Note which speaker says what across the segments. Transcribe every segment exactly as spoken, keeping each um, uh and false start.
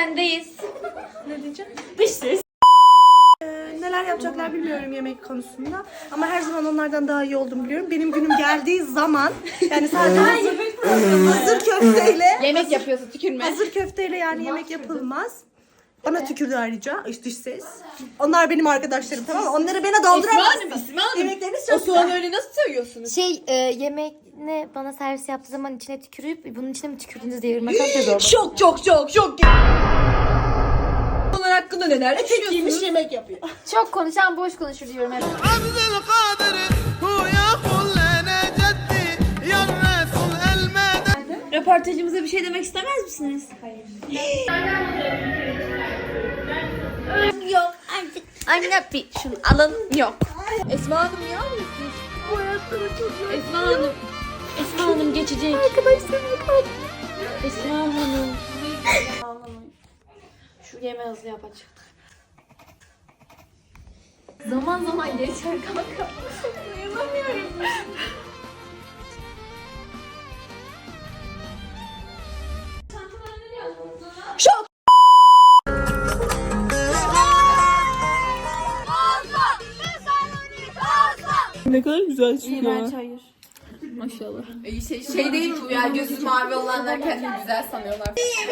Speaker 1: sendeyiz.
Speaker 2: Ne diyeceğim?
Speaker 1: Dış ses.
Speaker 2: Ee, neler yapacaklar bilmiyorum yemek konusunda. Ama her zaman onlardan daha iyi olduğumu biliyorum. Benim günüm geldiği zaman yani sadece hazır, hazır köfteyle
Speaker 1: Yemek yapıyorsun, tükürme.
Speaker 2: hazır köfteyle yani yemek yapılmaz. Bana tükürdü ayrıca iş dış ses. Onlar benim arkadaşlarım, tamam mı? Onları bana dolduramazsın.
Speaker 1: İsmi Hanım, İsmi Hanım.
Speaker 2: Yemekleriniz
Speaker 1: O
Speaker 2: çok
Speaker 1: soğanı
Speaker 2: güzel.
Speaker 1: öyle nasıl söylüyorsunuz?
Speaker 3: Şey e, yemeğini bana servis yaptığı zaman içine tükürüp bunun içine mi tükürdünüz diye yoruma kalp yazıyor.
Speaker 1: Çok çok çok çok. Bunlar hakkında neler
Speaker 2: Tek
Speaker 1: düşünüyorsunuz?
Speaker 2: giymiş yemek yapıyor.
Speaker 3: Çok konuşan boş konuşur diyorum hep.
Speaker 1: Röportajımıza bir şey demek istemez misiniz? Hayır. Yok artık. Anne bir şunu alın. Yok. Esma Hanım niye alıyorsunuz?
Speaker 2: Bu hayatları çok zor.
Speaker 1: Esma Hanım. Esma Hanım geçecek.
Speaker 2: Arkadaşlarım kaldı.
Speaker 1: Esma Hanım. Şu yemeği hızlı yap açık.
Speaker 3: Zaman zaman geçer kanka.
Speaker 1: Dayanamıyorum. Şok.
Speaker 2: Ne kadar güzel çıkıyor.
Speaker 1: İğrenç hayır. Maşallah. Şey, şey değil mi bu ya? Gözü mavi olanlar kendini güzel sanıyorlar.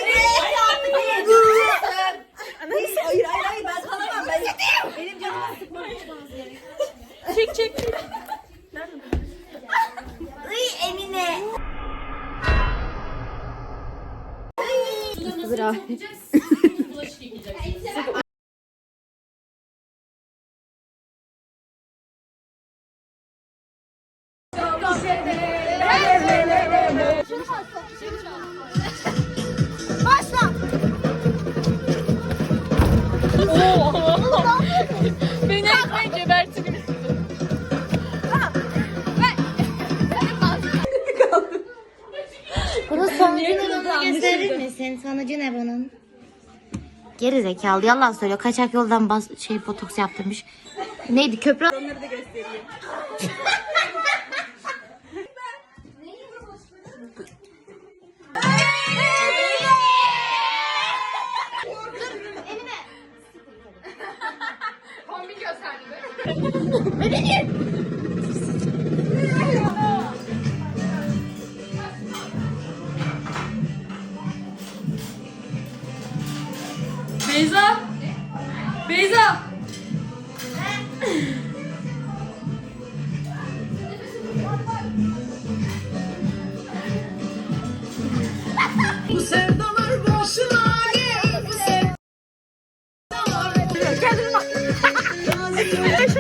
Speaker 2: Hayır hayır hayır ben kalamam ben. Benim canımı sıkmam lazım.
Speaker 1: Çek çek.
Speaker 3: Emine. Bırak.
Speaker 1: Beni ekmeği gebertin.
Speaker 3: Bunun sonucunu gösterir misin? Sonucu ne bunun? Geri zekalı yalan söylüyor. Kaçak yoldan bas şey botoks yaptırmış. Neydi köprü?
Speaker 2: Onları da göstereyim.
Speaker 1: Beyza. Beyza.
Speaker 2: Bu sevdalar boşuna değil. Bu sevdalar. Kendine bak.